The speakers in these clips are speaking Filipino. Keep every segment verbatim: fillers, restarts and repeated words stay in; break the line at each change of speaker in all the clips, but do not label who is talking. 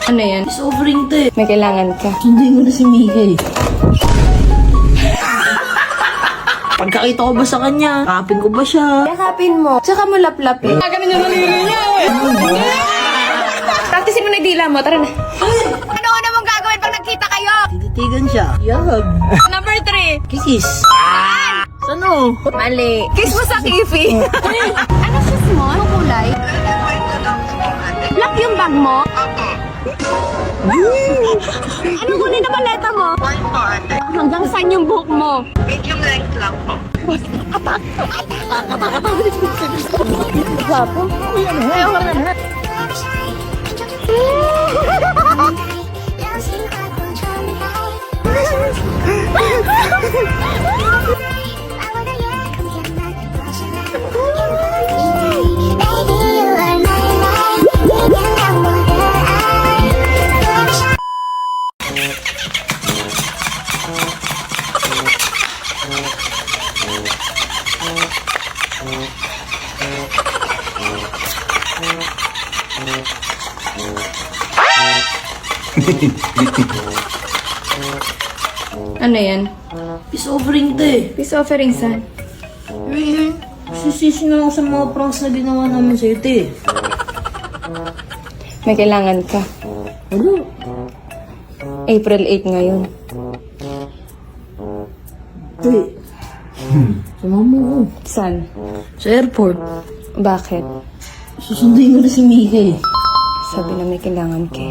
Ano yan?
Sobrang te.
May kailangan ka.
Hindi mo na si Mika eh. Pagkakita ko ba sa kanya, kapin ko ba siya?
Yakapin mo. Tsaka mo laplapin. Gaganon yung naliri niya eh. Practicein mo na yung dila mo. Tara na. Ano una mong gagawin pag nagkita kayo?
Tititigan siya. Yag.
Number three.
Kiss. Sano?
Mali. Kiss mo sa kifi. Ano shoes mo? Anong kulay? Black yung bag mo? Anong kulay na maleta mo? Hanggang saan yung buhok mo?
Medium length lang po.
Gwapo. Ayaw ka na. Ano yan?
Peace offering te.
Peace offering saan?
Eh, sisisi na lang sa mga pranks na ginawa namin sa'yo te.
May kailangan ka.
Ano?
April eighth ngayon.
Te. Sumama ko.
Saan?
Sa airport.
Bakit?
Susundin ko na si Mika eh.
Sabi na may kailangan ka.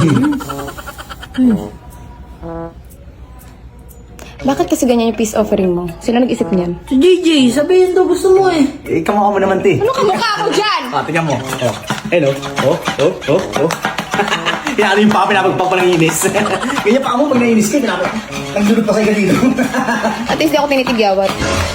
Bakit kasi ganyan yung peace offering mo? Sino nag-isip niyan?
Si J J, sabihin daw gusto mo eh.
Eh, kamukha mo naman, te.
Ano kamukha ko dyan?
Ah, tingnan mo. Oh. Hello. Oh, oh, oh, oh. Inaano yung pa, pinapagpag pa ng inis. Ganyan pa mo pag nainis ka, pinapag. Nagdulog pa sa'yo dito.
At least di ako tinitigyawat.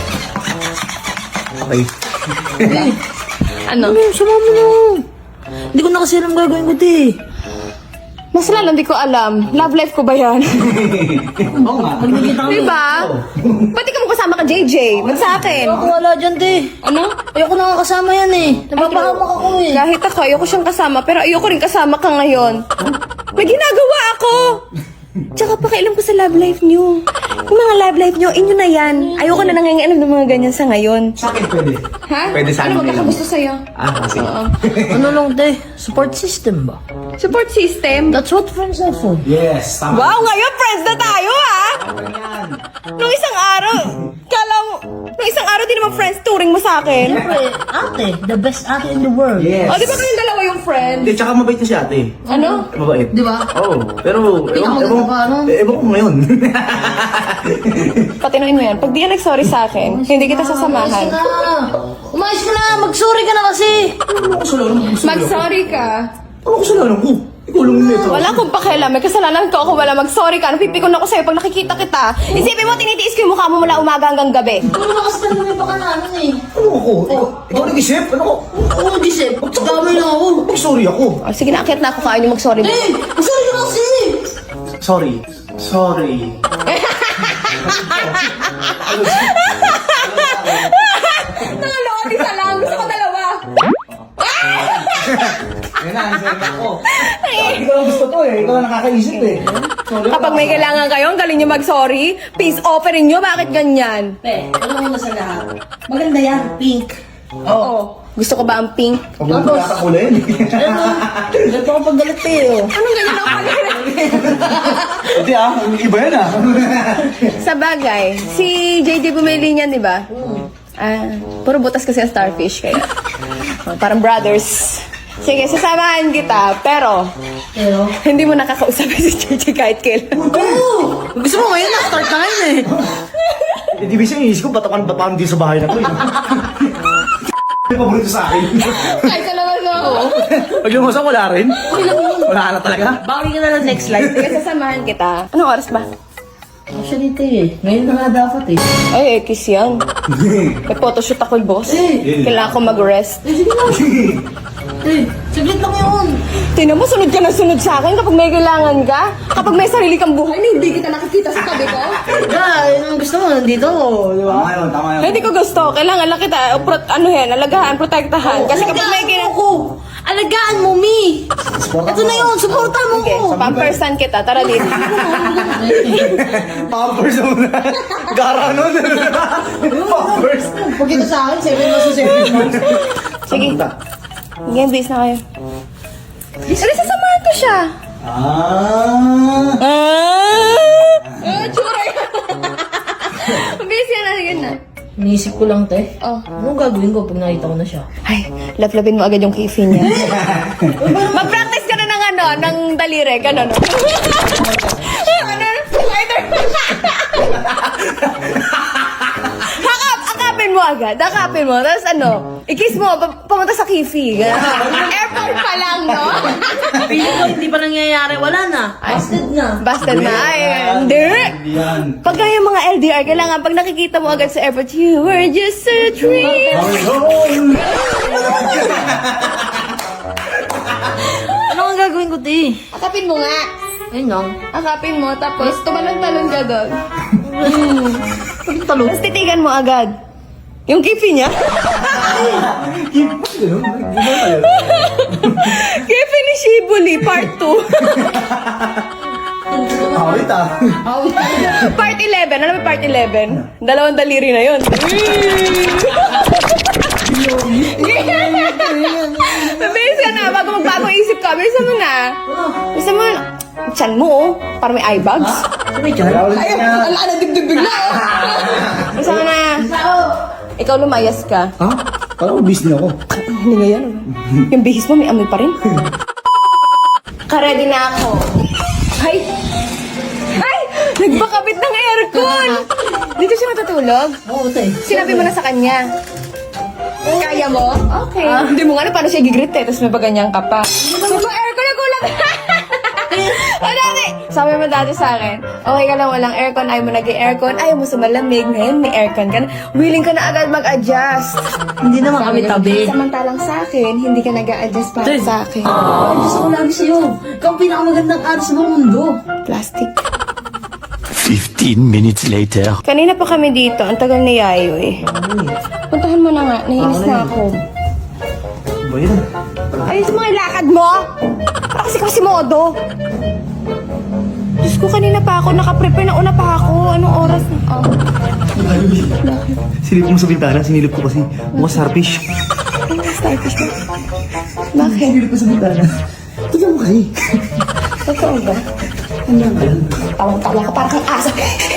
Okay.
Eh,
Ano?
ano, sumama na. Hindi ko na kasi alam gagawin ko te.
Mas lalo di ko alam. Love life ko ba yan?
Oo nga.
Magkikita kami.
Diba? Ba't di ka mo kasama ka, J J? Ba't sa akin?
Ako wala dyan te.
Ano?
Ayoko na nga kasama yan eh. Napapahamak ako eh.
Kahit ako, ayoko siyang kasama, pero ayoko rin kasama ka ngayon. May ginagawa ako! Tsaka pakialam ko sa love life niyo. Yung mga love life niyo, inyo na yan. Ayoko na nangangialam ng mga ganyan sa ngayon.
Sa akin pwede.
Ha?
Pwede sa
Ano
amin
ba
ngayon.
gusto sa'yo?
Ah, kasi.
Oo.
Ano lang te, support system ba?
Support system?
That's what friends are for.
Yes, tama.
Wow, ngayon friends na tayo ha! Nung isang araw, kala mo, nung isang araw di naman friends touring mo sa akin.
Siyempre, ate, the best ate in the world.
Yes.
O, di ba kayong dalawa yung friend?
Hindi, tsaka mabait na si ate.
Ano?
Mabait.
Di ba?
Oo. Pero,
Hindi ka
ewan,
maganda
ewan,
pa, ano?
eh, ewan ko ngayon.
Patinuin mo yan. Pag di ka nag-sorry sa akin, hindi kita sasamahan.
Umayos ka na. Umayos ka na. Mag-sorry ka na kasi.
Ano ko kasalanan mo?
Mag-sorry ka.
Ano ko kasalanan ko? Ikaw lang nito.
Wala akong pakialam. May kasalanan ko ako. Wala mag-sorry ka. Napipikon ako sa'yo pag nakikita kita. Isipin mo, tinitiis ko yung mukha mo mula umaga hanggang gabi.
Ano na kasi talaga may pakalanan eh.
Ano ako? Ikaw, ikaw nag-isip? Ano ko?
Oo, Gisep. Gamay lang ako.
Mag-sorry ako.
O, sige na, akit na ako. Kain yung mag-sorry mo.
Eh, mag-sorry ka na kasi.
Sorry. Sorry.
Nangaloon, isa lang. Gusto ko dalawa.
Yan na, sorry na ako. Ikaw lang gusto to eh. Ikaw lang nakakaisip eh. Sorry ako.
Kapag may kailangan kayo, ang galing nyo mag-sorry. Peace offering nyo. Bakit ganyan?
Eh, alam mo na sa lahat. Maganda yan, pink.
Oo. Gusto ko ba ang pink?
Huwag mo magkakakulin.
Ano? Ganito ako pag galit eh, oh.
Anong ganyan ako pag
Hindi ah, iba yan ah.
Sa bagay, si J J bumili niyan, di ba? Ah, puro butas kasi ang starfish kaya. Oh, parang brothers. Sige, sasamahan kita, pero
Pero,
hindi mo nakakausapin si J J kahit kailan.
oo! Gusto mo ngayon na, start na ngayon eh.
Hindi ba siya inisip ko, batakan batakan din sa bahay na to eh. Yung paborito sa akin.
Kahit ka naman ako.
Pag yung usap, wala rin. Wala na talaga.
Bawi ka na ng next life.
Sige, sasamahan kita. Anong oras ba?
Actually, te, eh. Ngayon na nga dapat eh.
Ay, eh, kiss yan. May photoshoot ako, boss.
Eh.
Kailangan ko mag-rest.
Eh, sige na. Eh, saglit lang yun.
Tingnan mo, sunod ka na sunod sa akin kapag may kailangan ka. Kapag may sarili kang buhay na hindi kita nakikita sa tabi ko.
Ah, yun ang gusto mo, nandito ako, di ba?
Tama yun, tama yun.
Hindi ko gusto. Kailangan lang kita, uh, pro- ano yan, alagahan, protektahan. Kasi kapag may kailangan
ako, Alagaan mo, Mi!
Supportan
Ito na yun, supportan mo!
Okay, pampersan kita. Tara dito.
Pampers muna. Gara nun. Pampers.
Pag ito sa akin, seven months to seven months.
Sige.
Punta.
Game base na kayo. Ano, sasamahan ko siya.
Ah.
Ah! Ah, tsura yan. Mabilis yan na, sige na.
Iniisip ko lang, te.
Oh.
Anong gagawin ko pag nakita ko na siya?
Ay, laplapin mo agad yung kifi niya. Mag-practice ka na ng ano, ng daliri, gano'n. No? Ano? Spider. Hakap, akapin mo agad. Akapin mo. Tapos ano, i-kiss mo, pa- pumunta sa kifi. Gano'n. Airport pa lang, no?
Feeling ko, hindi pa nangyayari. Wala na. Busted na.
Basta na. Ay, hindi.
Yan.
Pag yung mga L D R, kailangan pag nakikita mo agad sa airport, you were just a dream.
Ano ang gagawin ko, te?
Akapin mo nga.
Ayun lang.
Akapin mo, tapos tumalon-talon ka doon.
Pag talo.
Tapos titigan mo agad. Yung kifi niya. Kifi ni Shibuli, part two.
Awit ah.
Part eleven. Alam mo part eleven? Dalawang daliri na yun. Mabilis ka na. Bago magbago isip ka. Bilisan mo na. Bilisan mo na. Tiyan mo, oh. Parang may eye bags.
Sabi dyan?
Ay, ala na dibdib bigla, oh. Bilisan mo na. Ikaw lumayas ka.
Ha? Parang ubis niya ako.
Hindi nga yan. oh. Yung bihis mo, may amoy pa rin. Karedy na ako. Ay! Ay! Nagpakabit ng aircon! Dito siya natutulog?
Oo, te.
Sinabi mo na sa kanya. Kaya mo? Okay. Hindi mo nga na paano siya gigrit eh, tapos may baganyan ka pa. So, ba aircon na kulang? Ano dati? Sabi mo dati sa akin, okay ka lang walang aircon, ayaw mo nag-aircon, ayaw mo sa malamig, ngayon may aircon ka na, willing ka na agad mag-adjust.
Hindi naman kami tabi.
Samantalang sa akin, hindi ka nag-a-adjust para
Ten.
sa akin.
Ay, gusto ko lagi sa'yo. Ikaw ang pinakamagandang aras sa buong mundo.
Plastic.
Fifteen minutes later.
Kanina pa kami dito, ang tagal ni Yayo eh. Puntahan mo na nga, nahinis na ako.
Ba yan?
Ayos mo yung lakad mo! Para kasi kasi modo. Diyos ko, kanina pa ako, nakaprepare na una pa ako. Anong oras na? Oh.
Silip mo sa bintana, sinilip ko kasi mukha starfish.
Ano yung starfish mo? Bakit?
Sinilip ko sa bintana. Tignan mo kasi.
Totoo ba? Ano ba? Tawang-tawa ka, parang kang asa.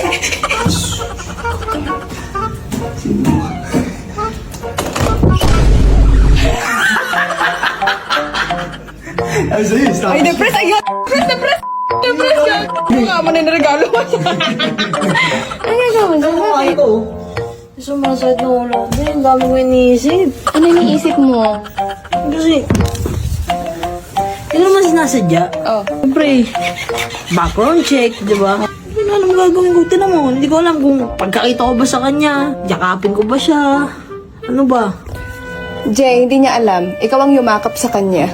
Ay, sa'yo,
Ay,
starfish.
depress! Ay, depress! Depress! Depress yan! Ano nga mo na yung regalo mo siya? Ano nga mo siya? Bakit?
Ito. Sumasakit na ulo. Hindi, ang dami ko iniisip.
Ano yung iniisip mo?
Kasi, hindi naman sinasadya.
Oh.
Siyempre, background check, di ba? Hindi ko alam gagawin ko. Tinan mo, hindi ko alam kung pagkakita ko ba sa kanya, yakapin ko ba siya, ano ba?
Jay, hindi niya alam. Ikaw ang yumakap sa kanya.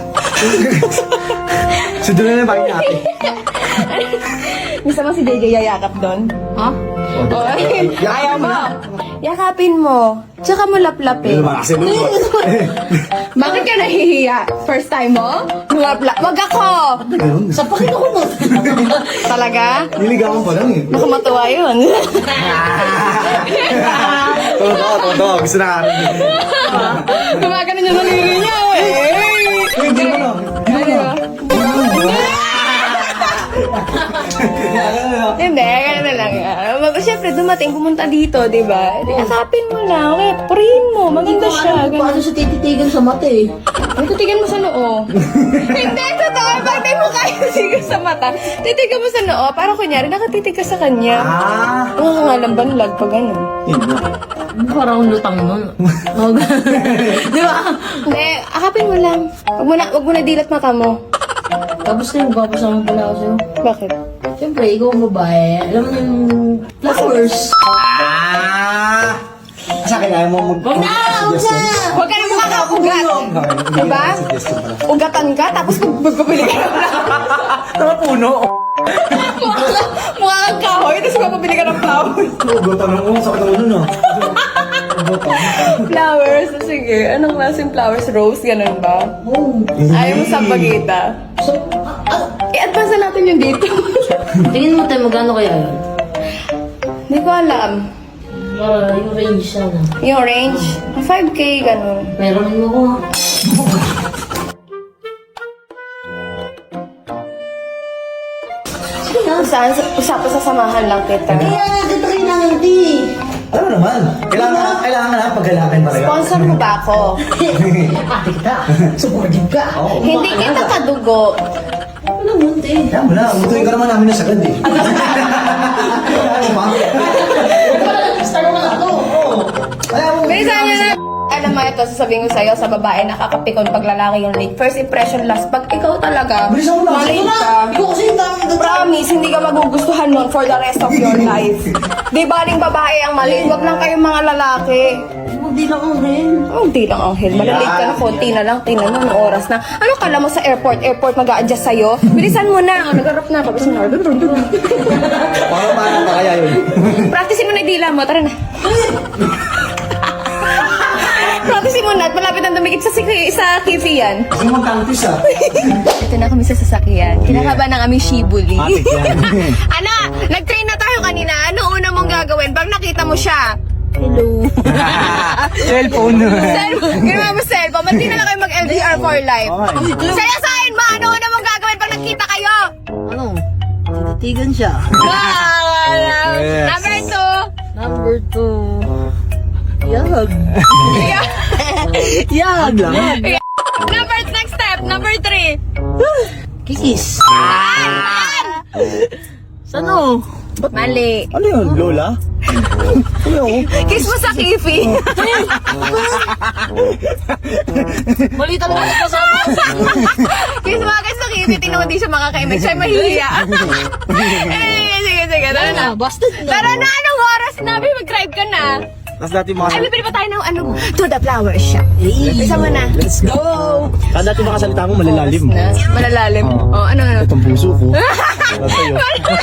So, doon na lang bakit natin.
Misa mo si J J yayakap doon?
Ha?
Oh, ay, ayaw mo. Yakapin mo. Tsaka mo laplapin.
Ano ba kasi nun?
Bakit ka nahihiya? First time mo? Lumapla. Wag ako!
Ganun.
Sapakin ako nun.
Talaga?
Niligawan pa lang eh.
Baka matuwa yun.
Totoo, totoo. Gusto na kami.
Gumagano niya sa liri niya eh.
Uy, hindi mo na. Hindi mo na.
Hindi, ganun na lang. Uh, Siyempre, dumating, pumunta dito, di ba? Di, akapin mo lang. Okay, purihin mo. Maganda
Hindi ko
siya.
alam kung paano siya tititigan sa mata eh.
Ay, titigan mo sa noo. Hindi, totoo. Bakit di mo kaya titigan sa mata? Titigan mo sa noo. Para kunyari, nakatitig ka sa kanya.
Ah.
Ang nga lang banlag pag ano.
Yun na.
Parang lutang nun. Oh, di ba?
Hindi, akapin mo lang. Wag mo na, wag mo na dilat mata mo.
Tapos na yung papasama pala ako sa'yo.
Bakit?
Siyempre, ikaw ang babae. Alam mo yung flowers.
Ah! Sa akin, ayaw mo mag-
Huwag na! Huwag na!
Huwag ka na makakaugat. Diba? Ugatan ka, tapos magpapili ka ng
Tama puno.
mukha ka- mukha kang kahoy, tapos magpapili ka ng flowers.
Gusto ng ulo, sakit ng ulo no.
Flowers? Sige. Anong klaseng flowers? Rose? Ganun ba?
Oh.
Ayaw mo sa pagita.
So, ah,
I-advance na natin yung dito.
tingin mo tayo, magkano kaya yun?
Hindi ko alam.
Para yung range siya na.
Yung range? five K, ganun.
Meron mo ko ha.
Saan? Usapan sa samahan lang kita.
Kaya nga kita kailangan di.
Alam mo naman, kailangan, kailangan na pagkalakay talaga.
Sponsor mo ba ako?
Ate kita. Supportive ka.
Oo.
Hindi kita kadugo.
Ano mo, te?
Kaya mo na, umutuin ka naman namin na sagad eh. Ano ba?
Start mo na ako.
Kaya mo.
Bilisan nyo na. Alam mo ito, sasabihin ko sa'yo, sa babae, nakakapikon pag lalaki yung late. First impression last. Pag ikaw talaga,
Bilisan mo na.
malate ka.
Ikaw kasi yung dami na
Promise, hindi ka magugustuhan nun for the rest of your life. Di baling babae ang mali, wag lang kayong mga lalaki.
Hindi lang ang rin.
Oh, di lang Angel. Malalate ka na, konti na lang. Tingnan mo, anong oras na. Ano kala mo sa airport? Airport mag-a-adjust sa'yo? Bilisan mo na. Oh, nag-arap na ako. Bilisan na.
Paano paano pa kaya yun?
Practicein mo na yung dila mo. Tara na. Practicein mo na at malapit ang dumikit sa, siki- sa kifi yan.
Ano mag-campus ah?
Ito na kami sa sasakyan. Kinakaba ng aming shibuli.
Matik yan.
Ano? Nag-train na tayo kanina. Ano una mong gagawin pag nakita mo siya? Hello.
Cellphone.
Cellphone. Ginawa mo cellphone. Ba't di na lang kayo mag-L D R for life?
Okay.
Sa'yo sa'yo mo. Ano una mong gagawin pag nakita kayo?
Ano? Tititigan siya.
Wow.
Yes.
Number two.
Number two. Yag.
Yeah.
Yag lang.
Number next step. Number three.
Kikis.
An!
Sano?
Mali.
Ano yun, Lola? Ano yun?
Kiss mo sa kifi.
Mali talaga ka sa
Kiss mo agad sa kifi. Tingnan mo di siya makakaimik. Siya mahihiya. Eh, sige, sige. Tara na.
Busted na.
Tara na. Anong oras na? May mag-drive ka na.
Tapos dati mga...
Ay, bibili pa tayo ng ano? To the flower shop. Isa mo na.
Let's go! Kada dati mga salita mo malalalim.
Na, malalalim.
Oo.
Oh, ano, ano?
Itong puso ko. Para sa'yo.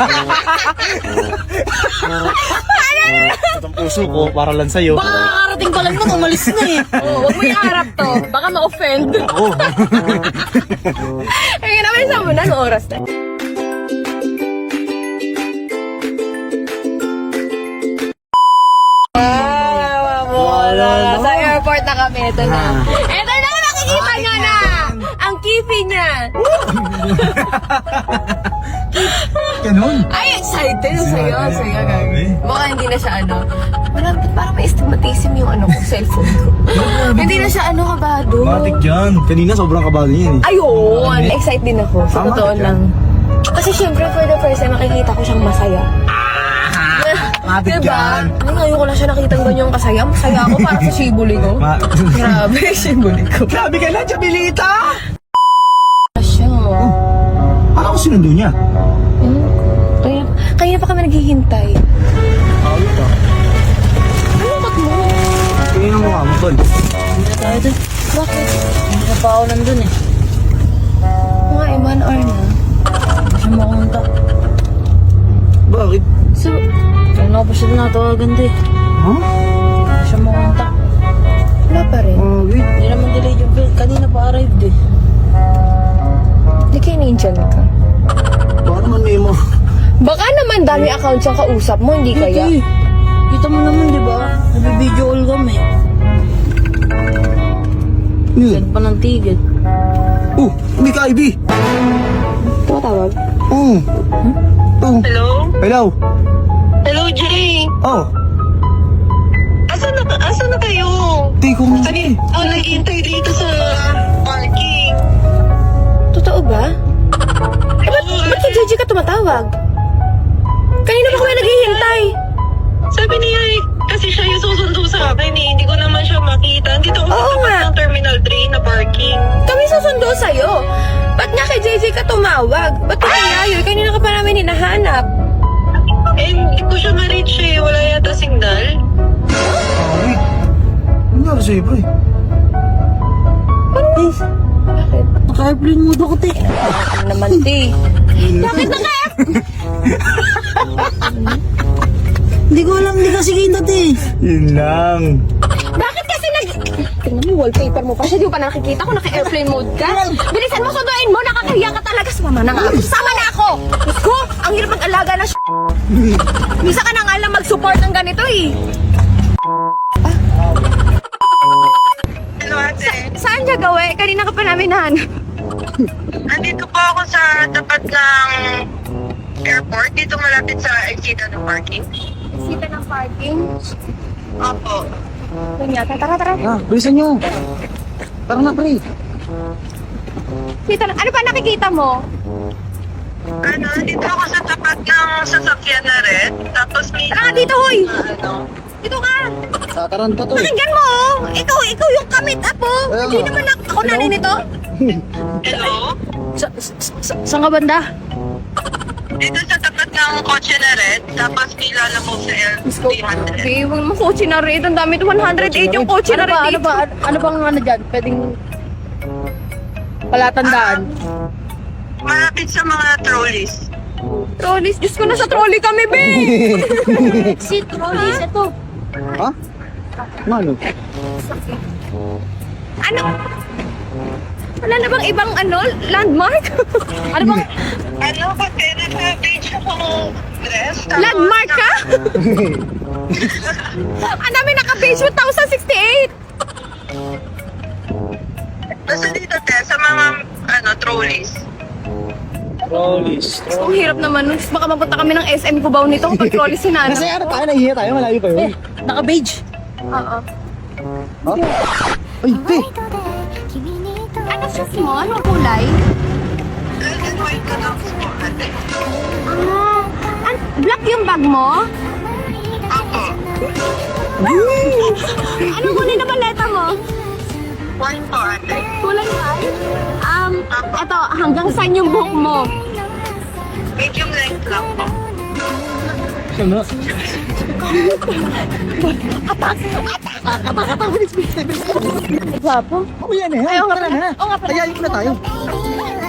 Itong puso ko, para lang sa'yo.
Baka kakarating pa lang nun, umalis na eh.
Oh, huwag mo iharap to. Baka ma-offend.
Oo.
Ay, naman isa mo na. Anong oras na? Wow, wala. Sa airport na kami. Ito na. Ito na, makikita nyo na. Ang kifi niya.
Ganun.
Ay, excited sa'yo. Sa'yo, gagi. Baka hindi na siya ano. Wala, parang may stigmatism yung ano ko, cellphone ko. Hindi na siya ano, kabado.
Matik yan. Kanina sobrang kabado yan eh.
Ayun! Excited din ako. Sa
Tama
totoo
ka.
lang. Kasi syempre, for the first time, makikita ko siyang masaya.
Matik
Diba?
yan.
Ay, ngayon ko lang siya nakitang ganyang kasaya. Masaya ako para sa shibuli ko.
Ma-
Grabe, shibuli ko.
Grabe ka na, Chabilita!
Siya.
Ano ko sinundo niya?
Hmm? Kaya, kaya pa kami naghihintay.
Awit ah.
Ano kat mo?
Tingin ang mukha mo, Tol.
Hindi na tayo dun.
Bakit?
Hindi na pa ako nandun eh.
Mga eh, one hour na.
Hindi siya makunta.
Bakit?
So,
Kaya na pa siya natawagan din.
Ha?
Hindi siya makunta.
wala pa rin.
Oh, wait.
Hindi naman delayed yung bill. Kanina pa arrived eh.
Hindi kayo ninjan ka.
Baka naman may mo.
Baka naman dami account siyang kausap mo, hindi kaya?
Hindi. Kita mo naman di ba? Nabi-video call kami.
Yun.
Send pa ng ticket.
Oh, hindi ka, Ivy.
Tumatawag?
Oh. Oh.
Hello?
Hello.
Hello, Jay!
Oh.
Asan na, asan na kayo?
Di ko mo.
Kanina ako naghihintay dito sa parking.
Totoo ba? Eh, ba't,
Oo,
ba't kay J J ka tumatawag? Kanina pa kami naghihintay.
Sabi niya eh, kasi siya yung susundo sa akin eh. Hindi ko naman siya makita. Dito ako
Oo
sa tapat
nga.
ng Terminal three na parking.
Kami susundo sa'yo. Ba't nga kay J J ka tumawag? Ba't ka kinayo? Kanina ka pa namin hinahanap.
Eh, hindi ko siya ma-reach eh. Wala yata signal.
Ah, wait. Ano nangyari sa'yo, pre?
Bakit?
Naka-airplane mode ako, te.
Ano naman, T? Bakit naka
Hindi Hindi ko alam, hindi kasi kita, te.
Yun lang.
Bakit kasi nag... Tingnan mo, wallpaper mo pa siya. Di mo pa nakikita kung naka-airplane mode ka. Bilisan mo, sunduin mo. Nakakahiya ka talaga. Sumama na nga ako. Sama na ako. Diyos ko, ang hirap mag-alaga na sh**. Misa ka na nga lang mag-support ng ganito eh.
Hello, ate.
Saan siya gawe? Kanina ka pa namin nahanap.
Andito po ako sa tapat ng airport. Dito malapit sa exita ng parking.
Sita ng parking.
Opo.
Yun yata. Tara, tara.
Ah, bilisan nyo. Tara na, pre.
Sita ng... Ano pa nakikita mo?
Ano, dito ako sa tapat ng sasakyan na red. Tapos may...
Tara, dito, hoy!
Ano?
Dito ka!
Sataran pa to eh.
Pakinggan mo, oh! Ikaw, ikaw yung kamit, apo! Hindi naman ako, ako nanay nito.
Hello?
Sa, sa, sa, saan ka banda?
Dito sa tapat ng kotse na red. Tapos may lalamog sa L three hundred.
Babe, huwag mo kotse na red. Ang dami, one hundred eight yung kotse na
Ano ba,
red.
ano ba, ano, ano bang ano dyan? Pwedeng palatandaan.
Malapit sa mga trolleys.
Trolleys, Diyos ko, nasa trolley kami, babe!
Si trolleys, ito.
Ha? Ano?
Ano? Wala na bang ibang ano, landmark? ano bang
Ano, kasi naka-page akong dress. tapos
landmark ka? Ang dami naka-page one thousand sixty-eight!
Basta dito, te, sa mga, ano, trolleys.
Rollies.
Ang hirap naman nun. Baka mapunta kami ng S M Cubao nito kapag trolley si Nana.
Kasi ano tayo, nahihiya tayo, malayo pa yun.
Naka-beige.
Oo.
Ha? Ay, te!
Ano siya mo? Anong kulay?
Red and white na lang po, ate.
Ah, an- black yung bag mo?
Opo.
Anong kulay na baleta mo?
White po, ate.
Kulay white? Um, eto, hanggang saan yung buhok mo?
Medium length lang po.
Ano?
Gwapo.
Oh, yan eh.
Ayaw nga
Tara
pala.
na.
Oo nga pala.
Ayayin ko na tayo.